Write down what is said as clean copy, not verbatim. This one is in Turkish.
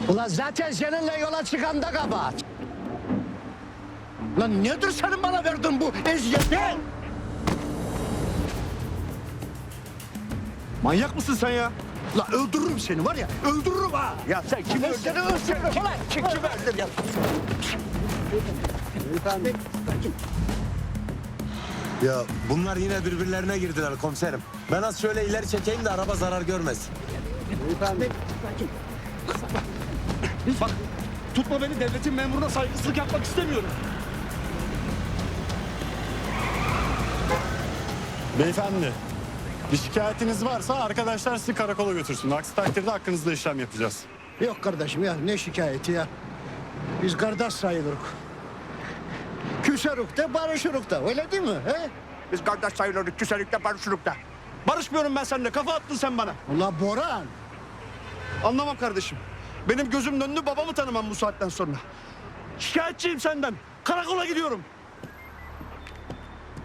Ulan zaten seninle yola çıkan da kabahat. Lan nedir senin bana verdiğin bu eziyet? Manyak mısın sen ya? La öldürürüm seni var ya, öldürürüm ha. Ya sen kimi öldürdün? Seni öldürürüm ulan. Kim öldürdün ya? Ya bunlar yine birbirlerine girdiler komiserim. Ben az şöyle ileri çekeyim de araba zarar görmesin. Bak tutma beni, devletin memuruna saygısızlık yapmak istemiyorum. Beyefendi, bir şikayetiniz varsa arkadaşlar sizi karakola götürsün. Aksi takdirde hakkınızda işlem yapacağız. Yok kardeşim ya, ne şikayeti ya? Biz kardeş sayılırız. Küserük de barışırık da, öyle değil mi? He? Biz kardeş sayılırdık, küserlikte, barışırlıkta. Barışmıyorum ben seninle, kafa attın sen bana. Ula Boran, Anlamam kardeşim. Benim gözümün önünü babamı tanımam bu saatten sonra. Şikayetçiyim senden. Karakola gidiyorum.